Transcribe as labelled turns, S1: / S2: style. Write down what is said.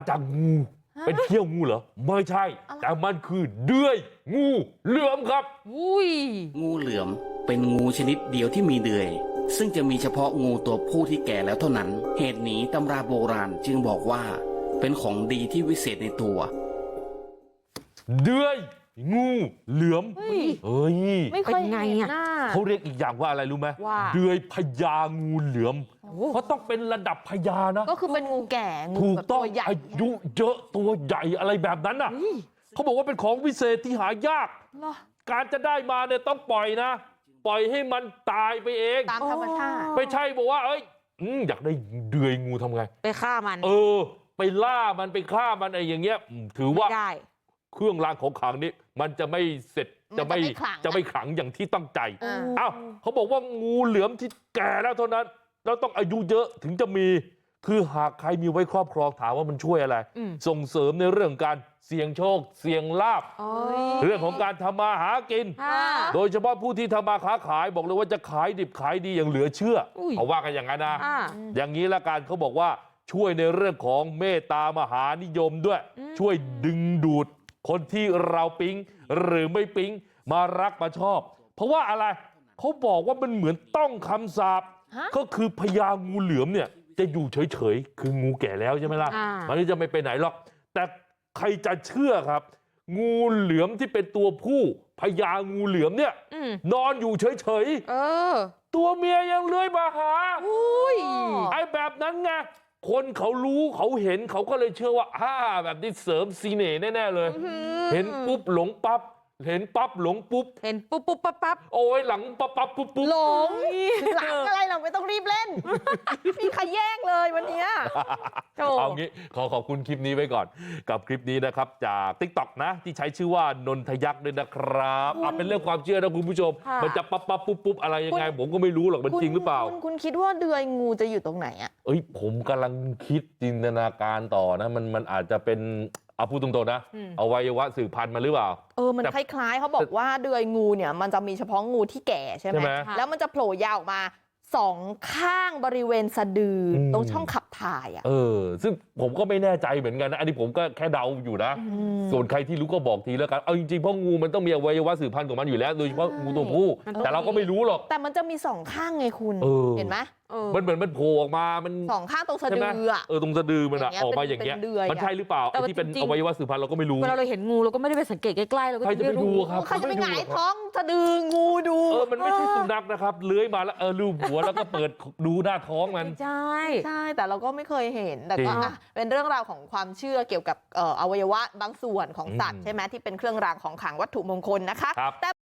S1: จากงูเป็นเขี้ยวงูเหรอไม่ใช่แต่มันคือเดือยงูเหลือมครับ
S2: อุ้ย
S3: งูเหลือมเป็นงูชนิดเดียวที่มีเดือยซึ่งจะมีเฉพาะงูตัวผู้ที่แก่แล้วเท่านั้นเหตุนี้ตำราโบราณจึงบอกว่าเป็นของดีที่วิเศษในตัว
S1: เดือยงูเหลือมเฮ้ย
S2: ไม่เคยเห็นหน้า
S1: เขาเรียกอีกอย่างว่าอะไรรู้ไหม
S2: ว่า
S1: เดือยพญางูเหลือมเพราะต้องเป็นระดับพญานะ
S2: ก็คือเป็นงูแก่งู
S1: ถูกต้อง
S2: ตัวใหญ่
S1: อายุเยอะตัวใหญ่อะไรแบบนั้นน่ะเขาบอกว่าเป็นของวิเศษที่หายากการจะได้มาเนี่ยต้องปล่อยนะปล่อยให้มันตายไปเอง
S2: ตามธรรมชาติ
S1: ไม่ใช่บอกว่าเอ้ยอยากได้เดือยงูทำไง
S2: ไปฆ่ามัน
S1: ไปล่ามันไปฆ่ามันไอ้อย่างเงี้ยถือว่าเครื่องรางของขลังนี้มันจะไม่เสร็จจะไม่ขลังอย่างที่ตั้งใจอ้าวเขาบอกว่างูเหลือมที่แก่แล้วเท่านั้นแล้วต้องอายุเยอะถึงจะมีคือหากใครมีไว้ครอบครองถามว่ามันช่วยอะไรส่งเสริมในเรื่องการเสี่ยงโชคเสี่ยงลาภเรื่องของการทำมาหากินโดยเฉพาะผู้ที่ทำมาค้าขายบอกเลยว่าจะขายดิบขายดีอย่างเหลือเชื่อเขาว่ากันอย่างนั้นนะอย่างนี้ละกันเขาบอกว่าช่วยในเรื่องของเมตตามหานิยมด้วยช่วยดึงดูดคนที่เราปิ๊งหรือไม่ปิ๊งมารักมาชอบเพราะว่าอะไรเขาบอกว่ามันเหมือนต้องคำสาปก็คือพญางูเหลือมเนี่ยจะอยู่เฉยๆคืองูแก่แล้วใช่ไหมล่ะมันจะไม่ไปไหนหรอกแต่ใครจะเชื่อครับงูเหลือมที่เป็นตัวผู้พญางูเหลือมเนี่ยนอนอยู่เฉยๆตัวเมียยังเลื้อยมาหาไอ้แบบนั้นไงคนเขารู้เขาเห็นเขาก็เลยเชื่อว่าแบบนี้เสริมซีเน่แน่ๆเลยเห็นปุ๊บหลงปั๊บเห็นปั๊บหลงปุ๊บ
S2: เห็นปุ๊บปุ๊บปั๊บปั๊บ
S1: โอ้ยหลังปั๊บปั๊บปุ๊บปุ๊บ
S2: หลงหลังอะไรเราไม่ต้องรีบเล่นมีใครแย่งเลยวันนี้
S1: เอางี้ขอบคุณคลิปนี้ไว้ก่อนกับคลิปนี้นะครับจาก TikTok นะที่ใช้ชื่อว่านนทยักษ์ด้วยนะครับเป็นเรื่องความเชื่อนะคุณผู้ชมมันจะปั๊บปั๊บปุ๊บปุ๊บอะไรยังไงผมก็ไม่รู้หรอกมันจริงหรือเปล่า
S2: คุณคิดว่าเดือยงูจะอยู่ตรงไหนอ่ะ
S1: ผมกำลังคิดจินตนาการต่อนะมันอาจจะเป็นพูดตรงๆนะอวัยวะสืบพันธุ์มาหรือเปล่า
S2: มันคล้ายๆเขาบอกว่าเดือยงูเนี่ยมันจะมีเฉพาะงูที่แก่ใช่ไหมแล้วมันจะโผล่ยาวออกมาสองข้างบริเวณสะดือตรงช่องขับถ่าย
S1: ซึ่งผมก็ไม่แน่ใจเหมือนกันนะอันนี้ผมก็แค่เดาอยู่นะส่วนใครที่รู้ก็บอกทีแล้วกันเอาจริงๆเพราะงูมันต้องมีอวัยวะสืบพันธุ์ของมันอยู่แล้วโดยเฉพาะงูตัวผู้แต่เราก็ไม่รู้หรอก
S2: แต่มันจะมีสองข้างไงคุณเห็นไหม
S1: มันเหมือนมันโผล่ออกมามัน
S2: สองข้างตรงสะดือ
S1: ตรงสะดือมันออกมาอย่างเงี้ยมันใช่หรือเปล่าที่เป็นอวัยวะสืบพันธุ์เราก็ไม่รู้
S2: เวลาเราเห็นงูเราก็ไม่ได้ไปสังเกตใกล้ๆเราก็
S1: ไม่รู้ครับ
S2: ใครจะไปหงายท้องสะดืองูดู
S1: มันไม่ใช่สุนัขนะครับเลื้อยมาแล้วลูบหัวแล้วก็เปิดดูหน้าท้องมัน
S2: ใช่แต่เราก็ไม่เคยเห็นแต่ก็เป็นเรื่องราวของความเชื่อเกี่ยวกับอวัยวะบางส่วนของสัตว์ใช่ไหมที่เป็นเครื่องรางของขลังวัตถุมงคลนะคะ